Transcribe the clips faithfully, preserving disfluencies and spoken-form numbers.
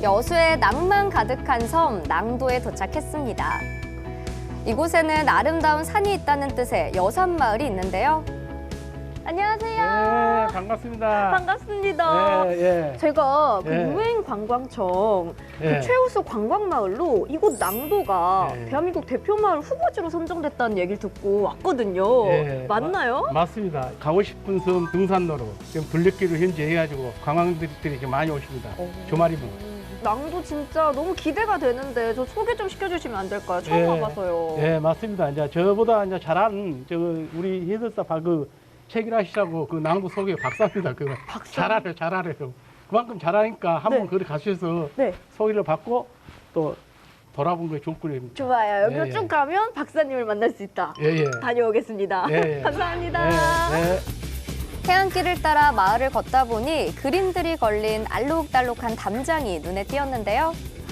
여수의 낭만 가득한 섬 낭도에 도착했습니다. 이곳에는 아름다운 산이 있다는 뜻의 여산마을이 있는데요. 안녕하세요. 네, 반갑습니다. 반갑습니다. 예, 예. 제가 그 예. 유행관광청 예. 그 최우수 관광마을로 이곳 낭도가 예. 대한민국 대표마을 후보지로 선정됐다는 얘기를 듣고 왔거든요. 예, 맞나요? 마- 맞습니다. 가고 싶은 섬 등산로로 지금 둘레길로 현재 해가지고 관광객들이 이렇게 많이 오십니다. 오. 주말이면. 낭도 진짜 너무 기대가 되는데 저 소개 좀 시켜주시면 안 될까요? 처음 예. 와봐서요. 예, 맞습니다. 이제 저보다 이제 잘 아는 저 우리 해설사 그 책이라 시라고 그 낭도 소개 박사입니다. 그 박사? 잘하래요, 잘하래요. 그만큼 잘하니까 한번 네. 거기 가셔서 네. 소개를 받고 또 돌아본 게 좋을 거입니다. 좋아요. 여기로 예, 예. 쭉 가면 박사님을 만날 수 있다. 예, 예. 다녀오겠습니다. 예, 예. 감사합니다. 예, 예. 해안길을 따라 마을을 걷다 보니 그림들이 걸린 알록달록한 담장이 눈에 띄었는데요.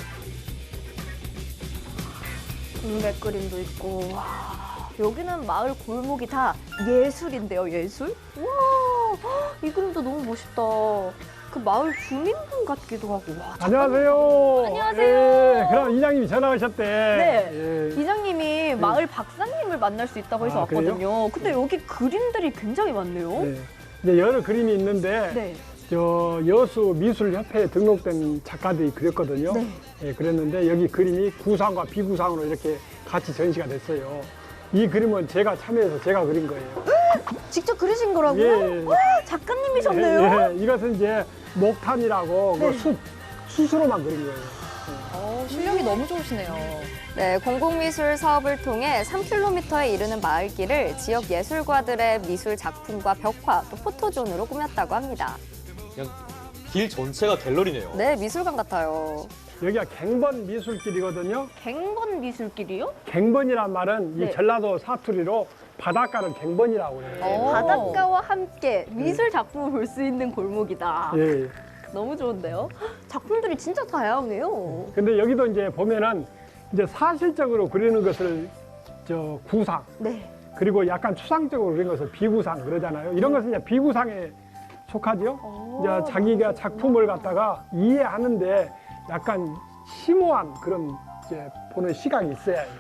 동백 그림도 있고, 와, 여기는 마을 골목이 다 예술인데요, 예술? 와, 이 그림도 너무 멋있다. 그 마을 주민분 같기도 하고. 와, 안녕하세요. 안녕하세요. 예, 그럼 이장님이 전화하셨대. 네. 예. 이장님이 마을 박사님을 만날 수 있다고 해서 아, 그래요? 왔거든요. 근데 여기 그림들이 굉장히 많네요. 네. 이제 여러 그림이 있는데 네. 저 여수 미술협회에 등록된 작가들이 그렸거든요. 네. 예, 그랬는데 여기 그림이 구상과 비구상으로 이렇게 같이 전시가 됐어요. 이 그림은 제가 참여해서 제가 그린 거예요. 직접 그리신 거라고요? 예. 와, 작가님이셨네요. 예, 예. 이것은 이제 목탄이라고 네. 그 숯, 숯으로만 그린 거예요. 어, 실력이 너무 좋으시네요. 네, 공공미술 사업을 통해 삼 킬로미터에 이르는 마을길을 지역 예술가들의 미술 작품과 벽화, 또 포토존으로 꾸몄다고 합니다. 그냥 길 전체가 갤러리네요. 네, 미술관 같아요. 여기가 갱번 미술길이거든요. 갱번 미술길이요? 갱번이란 말은 네. 이 전라도 사투리로 바닷가를 갱번이라고 그래요. 네, 바닷가와 함께 미술 작품을 볼 수 있는 골목이다. 예. 너무 좋은데요? 작품들이 진짜 다양해요. 근데 여기도 이제 보면은 이제 사실적으로 그리는 것을 저 구상, 네. 그리고 약간 추상적으로 그리는 것을 비구상 그러잖아요. 이런 것은 이제 비구상에 속하죠. 오, 이제 자기가 작품을 갖다가 이해하는데 약간 심오한 그런 이제 보는 시각이 있어야 해요.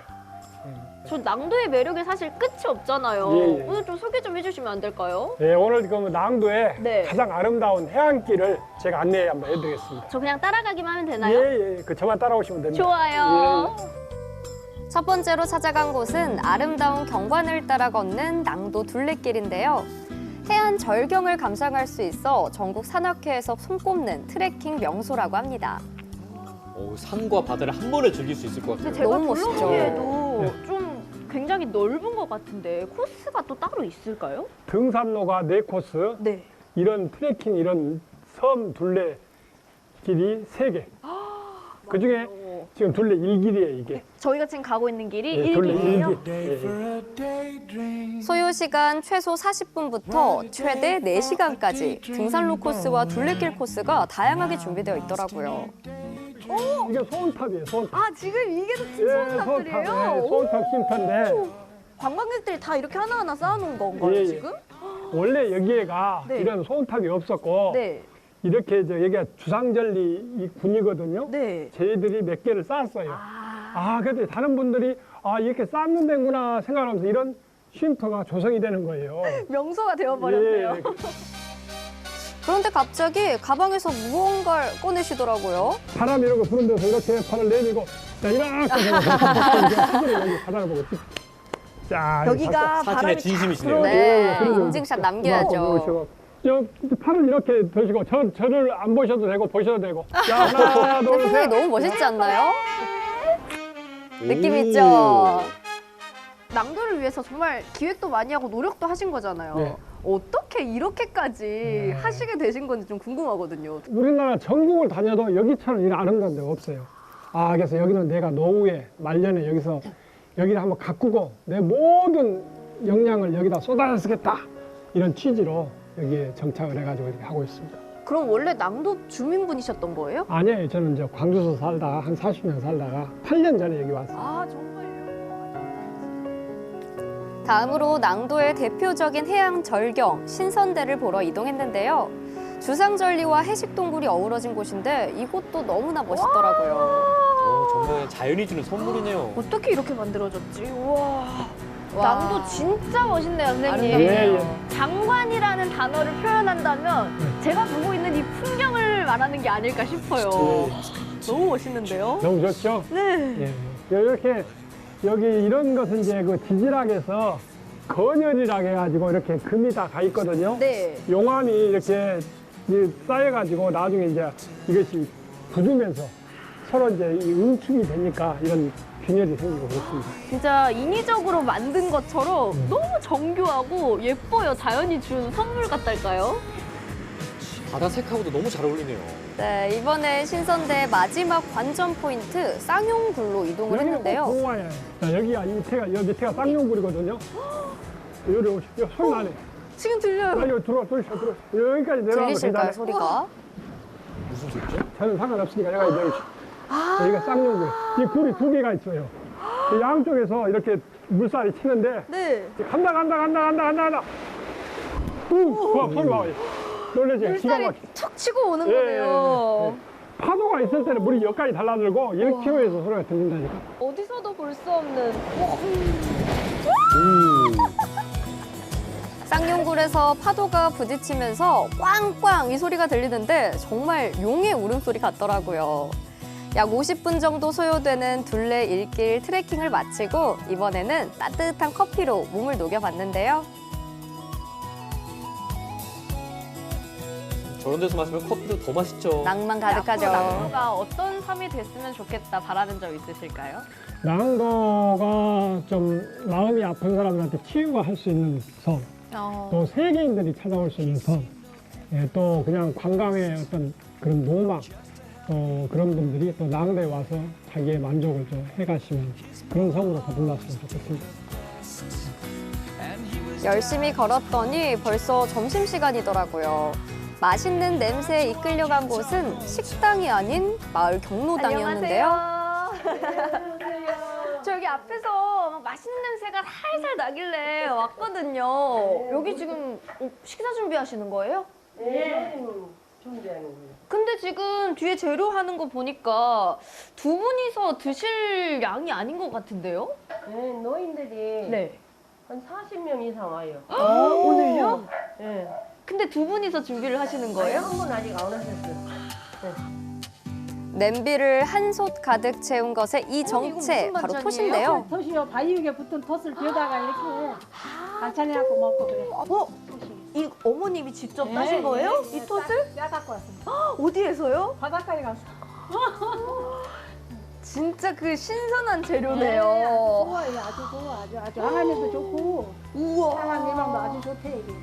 저 낭도의 매력이 사실 끝이 없잖아요. 예, 예. 오늘 좀 소개 좀 해주시면 안 될까요? 예, 오늘 그 낭도의 네. 가장 아름다운 해안길을 제가 안내 한번 해드리겠습니다. 저 그냥 따라가기만 하면 되나요? 예, 예, 그 저만 따라오시면 됩니다. 좋아요. 예. 첫 번째로 찾아간 곳은 아름다운 경관을 따라 걷는 낭도 둘레길인데요. 해안 절경을 감상할 수 있어 전국 산악회에서 손꼽는 트레킹 명소라고 합니다. 오, 산과 바다를 한 번에 즐길 수 있을 것 같아요. 근데 제가 너무 멋있죠. 둘러보기에도 네. 좀 굉장히 넓은 것 같은데 코스가 또 따로 있을까요? 등산로가 네 코스, 네. 이런 트레킹, 이런 섬 둘레 길이 세 개. 그 중에 지금 둘레 일 길이에요, 이게. 저희가 지금 가고 있는 길이 예, 둘레 일 일 길이에요. 길. 예, 예. 소요 시간 최소 사십 분부터 최대 네 시간까지 등산로 코스와 둘레길 코스가 다양하게 준비되어 있더라고요. 이게 소원탑이에요, 소원탑. 아, 지금 이게 다 예, 소원탑, 예, 소원탑 쉼터인데 관광객들이 다 이렇게 하나하나 쌓아놓은 건가요, 예, 예. 지금? 원래 여기에가 네. 이런 소원탑이 없었고 네. 이렇게 저 여기가 주상절리 이 군이거든요. 네. 저희들이 몇 개를 쌓았어요. 아, 아, 근데 다른 분들이 아 이렇게 쌓는 데구나 생각하면서 이런 쉼터가 조성이 되는 거예요. 명소가 되어버렸네요. 예, 그런데 갑자기 가방에서 무언가를 꺼내시더라고요. 사람 이런 거 부른 데서 이렇게 팔을 내밀고 자 이렇게 사진을 여기 바닥을 보고 찍. 자 여기가 사진의 바람이 진심이시네요. 네, 예, 그리고 인증샷 남겨야죠. 저 팔을 이렇게 드시고 저, 저를 안 보셔도 되고 보셔도 되고 자 하나 근데 둘 표정이 셋. 너무 멋있지 않나요? 느낌 오. 있죠? 낭도를 위해서 정말 기획도 많이 하고 노력도 하신 거잖아요. 네. 어떻게 이렇게까지 하시게 되신 건지 좀 궁금하거든요. 우리나라 전국을 다녀도 여기처럼 이런 아름다운 데가 없어요. 아, 그래서 여기는 내가 노후에 말년에 여기서 여기를 한번 가꾸고 내 모든 역량을 여기다 쏟아 쓰겠다 이런 취지로 여기에 정착을 해가지고 이렇게 하고 있습니다. 그럼 원래 낭도 주민분이셨던 거예요? 아니에요. 저는 이제 광주에서 살다가 한 사십 년 살다가 팔 년 전에 여기 왔어요. 아, 정말요? 다음으로 낭도의 대표적인 해양 절경 신선대를 보러 이동했는데요. 주상절리와 해식동굴이 어우러진 곳인데 이곳도 너무나 멋있더라고요. 어, 정말 자연이 주는 선물이네요. 어떻게 이렇게 만들어졌지? 우와. 와. 남도 진짜 멋있네요, 선생님. 예, 예. 장관이라는 단어를 표현한다면 네. 제가 보고 있는 이 풍경을 말하는 게 아닐까 싶어요. 너무 멋있는데요? 너무 좋죠? 네. 예. 이렇게 여기 이런 것은 이제 그 지질학에서 건열이라고 해가지고 이렇게 금이 다 가 있거든요. 네. 용암이 이렇게 이 쌓여가지고 나중에 이제 이것이 부주면서 서로 이제 이 응축이 되니까 이런 균열이 생기고 그렇습니다. 진짜 인위적으로 만든 것처럼 너무 정교하고 예뻐요. 자연이 준 선물 같달까요? 바다 색하고도 너무 잘 어울리네요. 네, 이번에 신선대 마지막 관전 포인트 쌍용굴로 이동을 했는데요. 공화에 자, 여기가 이 밑에가 여기 밑에가 쌍용굴이거든요. 여기 오십시오. 소리 나네. 지금 들려요. 나 여기 들어와, 들어와, 들어와. 여기까지 내려가면 들리실까요, 괜찮아요. 소리가? 무슨 소리죠? 저는 상관없으니까 여기가 여기. 여기가 쌍용굴. 이 굴이 두 개가 있어요. 이 양쪽에서 이렇게 물살이 치는데 네. 간다, 간다, 간다, 간다, 간다, 간다. 우, 와, 소리 봐. 놀라지? 기가 물살이 막혀. 툭 치고 오는 예, 거네요. 예. 파도가 있을 때는 물이 여기까지 달라들고 일 킬로미터에서 소리가 들린다니까. 어디서도 볼 수 없는 쌍용굴에서 파도가 부딪히면서 꽝꽝 이 소리가 들리는데 정말 용의 울음소리 같더라고요. 약 오십 분 정도 소요되는 둘레 일길 트레킹을 마치고 이번에는 따뜻한 커피로 몸을 녹여봤는데요. 저런 데서 마시면 커피도 더 맛있죠. 낭만 앞으로 가득하죠. 남도가 어떤 섬이 됐으면 좋겠다 바라는 점 있으실까요? 낭도가 좀 마음이 아픈 사람들한테 치유가 할 수 있는 섬, 어. 또 세계인들이 찾아올 수 있는 섬, 예, 또 그냥 관광의 어떤 그런 로망, 또 그런 분들이 또 낭도에 와서 자기의 만족을 좀 해가시면 그런 섬으로 거듭났으면 좋겠습니다. 열심히 걸었더니 벌써 점심시간이더라고요. 맛있는 냄새에 이끌려간 곳은 식당이 아닌 마을 경로당이었는데요. 안녕하세요. 저 여기 앞에서 막 맛있는 냄새가 살살 나길래 왔거든요. 여기 지금 어, 식사 준비하시는 거예요? 네, 준비하는 거예요. 근데 지금 뒤에 재료 하는 거 보니까 두 분이서 드실 양이 아닌 것 같은데요? 네, 노인들이 네. 한 사십 명 이상 와요. 오늘요? 네. 근데 두 분이서 준비를 하시는 거예요? 한 분 아직 안 오셨어요. 냄비를 한솥 가득 채운 것에 이 이거 정체 무슨 바로 반찬이에요? 톳인데요. 톳이요. 바위 위에 붙은 톳을 벼다가 이렇게 반찬해갖고 먹고 그래. 어? 이 어머님이 직접 네, 따신 거예요? 네, 이 네, 톳을? 따- 따갖고 왔습니다. 어디에서요? 바닷가에 가서. 진짜 그 신선한 네, 재료네요. 아주 좋아요. 아주 좋아. 아주 아주 항암에도 좋고 우와. 항암 예방도 아주 좋대 이게.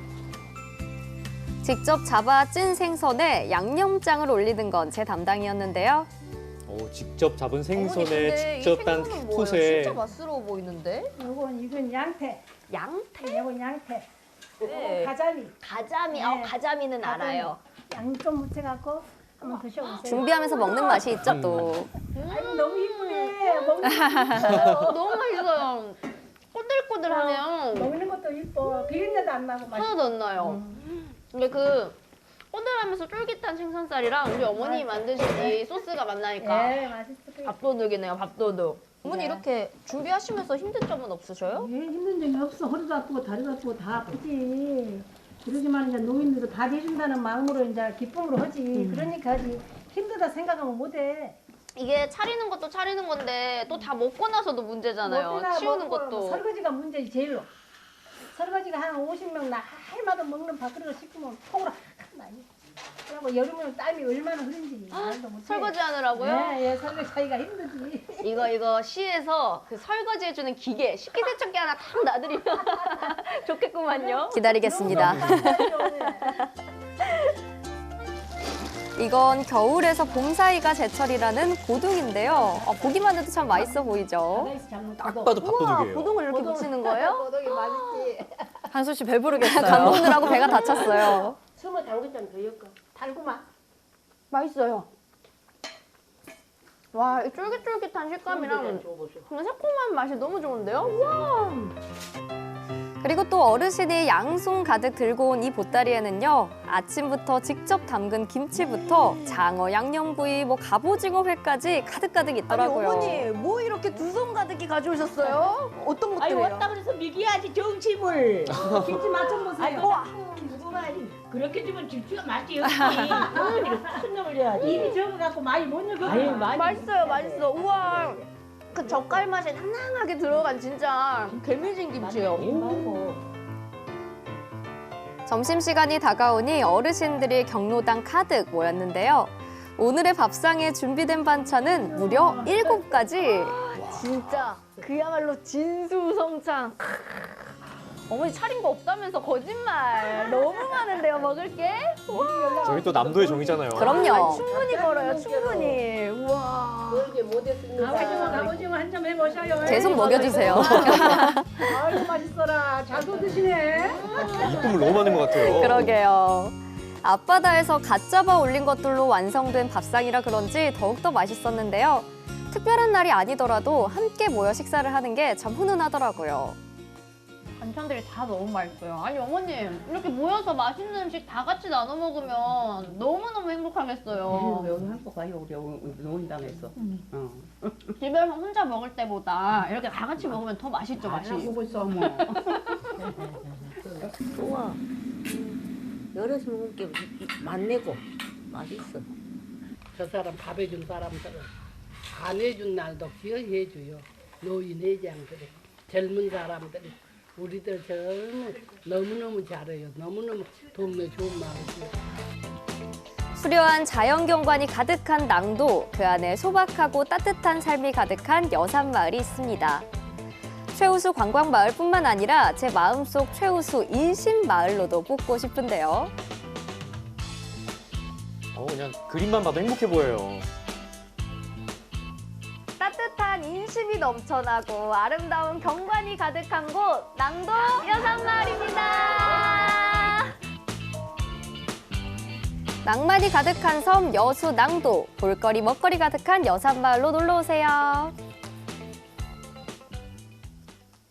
직접 잡아 찐 생선에 양념장을 올리는 건 제 담당이었는데요. 오, 직접 잡은 어머니, 생선에 근데 이 직접 딴 생선은 뭐예요? 톳에 진짜 맛스러워 보이는데? 이건 이건 양태. 양태? 이건 양태. 네. 가자미. 가자미. 네. 아, 가자미는 가자미. 알아요. 양 좀 묻혀갖고 한번 드셔보세요. 준비하면서 먹는 맛이 있죠 또. 아이고 너무 이쁘네. 먹는, 너무 맛있어요. 꼬들꼬들하네요. 먹는 것도 이뻐. 비린내도 안 나고 맛있어. 하나도 안 나요. 근데 그 꼬들하면서 쫄깃한 생선살이랑 우리 어머님이 만드신 이 소스가 만나니까 네, 맛있어. 밥도둑이네요, 밥도둑. 어머니 네. 이렇게 준비하시면서 힘든 점은 없으셔요? 예, 힘든 점이 없어. 허리도 아프고 다리도 아프고 다 아프지. 그러지만 이제 노인들도 다 해준다는 마음으로 이제 기쁨으로 하지. 그러니까 하지. 힘들다 생각하면 못해. 이게 차리는 것도 차리는 건데 또 다 먹고 나서도 문제잖아요. 먹기나 치우는 먹고 것도. 설거지가 문제지 제일로. 설거지가 한 오십 명 날마다 먹는 밥그릇을 씻으면 통으로 많이. 그리고 여름에는 땀이 얼마나 흐른지 말도 못해. 설거지 하느라고요? 네, 예, 설거지하기가 힘들지. 이거 이거 시에서 그 설거지 해주는 기계 식기세척기 하나 탁 놔드리면 좋겠구만요. 기다리겠습니다. 이건 겨울에서 봄 사이가 제철이라는 고등인데요. 어, 보기만 해도 참 맛있어 보이죠. 바다에서 잡는 딱 고동. 봐도 우와, 밥도둑이에요. 고동을 이렇게 무치는 거예요? 고동이 맛있지. 한솔 씨 배부르겠어요. 간 먹느라고 배가 다쳤어요. 숨을 담글점 더 엮어. 달구만. 맛있어요. 와, 이 쫄깃쫄깃한 식감이랑 줘보세요. 그냥 새콤한 맛이 너무 좋은데요? 와. 그리고 또 어르신이 양손 가득 들고 온 이 보따리에는요. 아침부터 직접 담근 김치부터 장어 양념구이, 뭐 갑오징어회까지 가득가득 아니 있더라고요. 어머니 뭐 이렇게 두 손 가득히 가져오셨어요? 어떤 아이 것들이에요? 왔다 그래서 미기야지 정침을. 김치 맛좀 보세요. 아이고, 와. 그렇게 주면 김치가 맛이 없지. 큰 놈을 줘야지. 입이 적어갖고 많이 못 넣어. 아유 많이. 맛있어요, 맛있어. 우와. 그 젓갈 맛이 낭낭하게 들어간 진짜 개미진 김치예요. 점심시간이 다가오니 어르신들이 경로당 가득 모였는데요. 오늘의 밥상에 준비된 반찬은 무려 일곱 가지. 진짜 그야말로 진수성찬. 어머니 차린 거 없다면서 거짓말. 너무 많은데요, 먹을 게? 저희 또 남도의 정이잖아요. 그럼요. 아니, 충분히 걸어요, 충분히. 우와. 그렇게 못했습니다. 가오징어 가오징어 한 점 해보셔요. 계속 먹여주세요. 아유 맛있어라. 잘도 드시네. 이쁨을 너무 많은 것 같아요. 그러게요. 앞바다에서 갓 잡아 올린 것들로 완성된 밥상이라 그런지 더욱더 맛있었는데요. 특별한 날이 아니더라도 함께 모여 식사를 하는 게 참 훈훈하더라고요. 반찬들이 다 너무 맛있어요. 아니 어머님 이렇게 모여서 맛있는 음식 다 같이 나눠 먹으면 너무너무 행복하겠어요. 여기 한국 가요 우리 노인당에서. 어. 집에서 혼자 먹을 때보다 이렇게 다 같이 먹으면 더 맛있죠, 맛이. 보고 있어 뭐. 좋아. 여럿이 먹은 게 맛내고 맛있어. 저 사람 밥 해준 사람들은 안 해준 날도 기억해줘요. 노인 회장들이 젊은 사람들이 우리들 젊은 너무너무 잘해요. 너무너무 동네 좋은 마을이에요. 수려한 자연경관이 가득한 낭도, 그 안에 소박하고 따뜻한 삶이 가득한 여산마을이 있습니다. 최우수 관광마을뿐만 아니라 제 마음속 최우수 인심마을로도 뽑고 싶은데요. 어, 그냥 그림만 봐도 행복해 보여요. 따뜻한 인심이 넘쳐나고 아름다운 경관이 가득한 곳 낭도 여산마을입니다. 낭만이 가득한 섬 여수 낭도, 볼거리 먹거리 가득한 여산마을로 놀러 오세요.